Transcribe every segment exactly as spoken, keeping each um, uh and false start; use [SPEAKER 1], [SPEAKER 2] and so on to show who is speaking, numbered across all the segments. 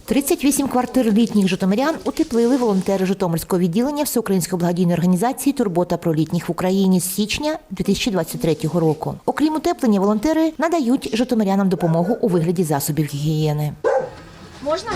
[SPEAKER 1] тридцять вісім квартир літніх житомирян утеплили волонтери Житомирського відділення Всеукраїнської благодійної організації «Турбота про літніх в Україні» з січня дві тисячі двадцять третього року. Окрім утеплення, волонтери надають житомирянам допомогу у вигляді засобів гігієни.
[SPEAKER 2] Можна?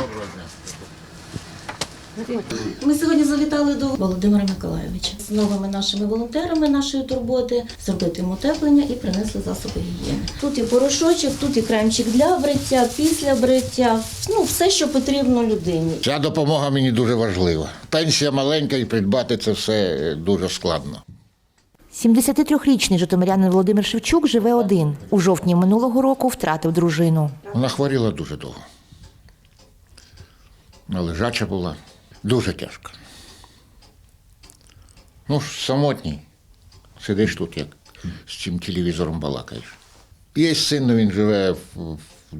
[SPEAKER 2] Ми сьогодні завітали до Володимира Миколайовича з новими нашими волонтерами нашої турботи, зробити їм утеплення і принесли засоби гігієни. Тут і порошочок, тут і кремчик для бриття, після бриття, ну все, що потрібно людині.
[SPEAKER 3] Ця допомога мені дуже важлива. Пенсія маленька і придбати це все дуже складно.
[SPEAKER 1] сімдесятитрирічний житомирянин Володимир Шевчук живе один. У жовтні минулого року втратив дружину.
[SPEAKER 3] Вона хворіла дуже довго. Лежача була. Дуже тяжко. Ну, самотній. Сидиш тут, як з цим телевізором балакаєш. Є син, він живе в, в,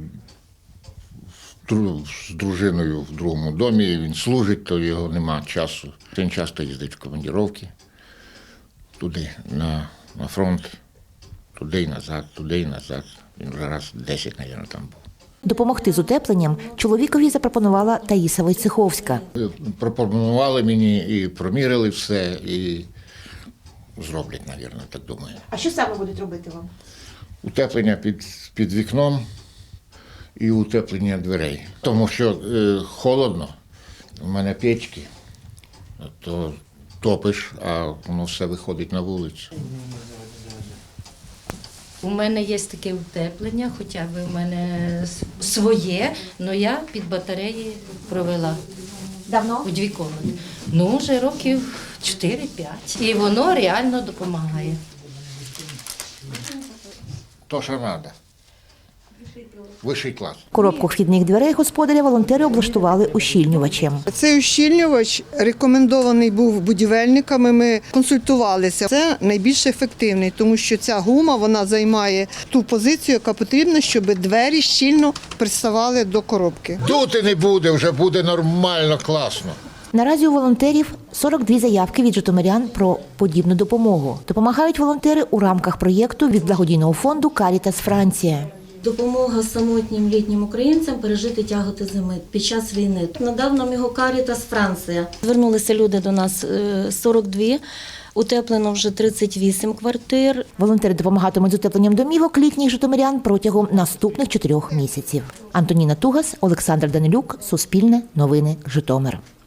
[SPEAKER 3] в, з дружиною в другому домі, він служить, то його нема часу. Він часто їздить в командировки, туди, на, на фронт, туди і назад, туди і назад. Він вже раз десять, мабуть, там був.
[SPEAKER 1] Допомогти з утепленням чоловікові запропонувала Таїса Войцеховська.
[SPEAKER 3] Пропонували мені і промірили все, і зроблять, мабуть, так думаю.
[SPEAKER 1] А що саме будуть робити вам?
[SPEAKER 3] Утеплення під, під вікном і утеплення дверей. Тому що е, холодно, у мене печки, то топиш, а воно все виходить на вулицю.
[SPEAKER 4] У мене є таке утеплення, хоча б у мене своє, але я під батареї провела.
[SPEAKER 1] Давно?
[SPEAKER 4] У дві кімнати. Ну, вже років чотири-п'ять. І воно реально допомагає.
[SPEAKER 3] То, що треба. Вищий клас.
[SPEAKER 1] Коробку вхідних дверей господаря волонтери облаштували ущільнювачем.
[SPEAKER 5] Цей ущільнювач рекомендований був будівельниками, ми консультувалися. Це найбільш ефективний, тому що ця гума вона займає ту позицію, яка потрібна, щоб двері щільно приставали до коробки.
[SPEAKER 3] Тут і не буде, вже буде нормально, класно.
[SPEAKER 1] Наразі у волонтерів сорок дві заявки від житомирян про подібну допомогу. Допомагають волонтери у рамках проєкту від благодійного фонду «Карітас Франція».
[SPEAKER 2] Допомога самотнім літнім українцям пережити тяготи зими під час війни. Надав нам його Карітас Франція. Звернулися люди до нас сорок дві, утеплено вже тридцять вісім квартир.
[SPEAKER 1] Волонтери допомагатимуть з утепленням домівок літніх житомирян протягом наступних чотирьох місяців. Антоніна Тугас, Олександр Данилюк, Суспільне, Новини, Житомир.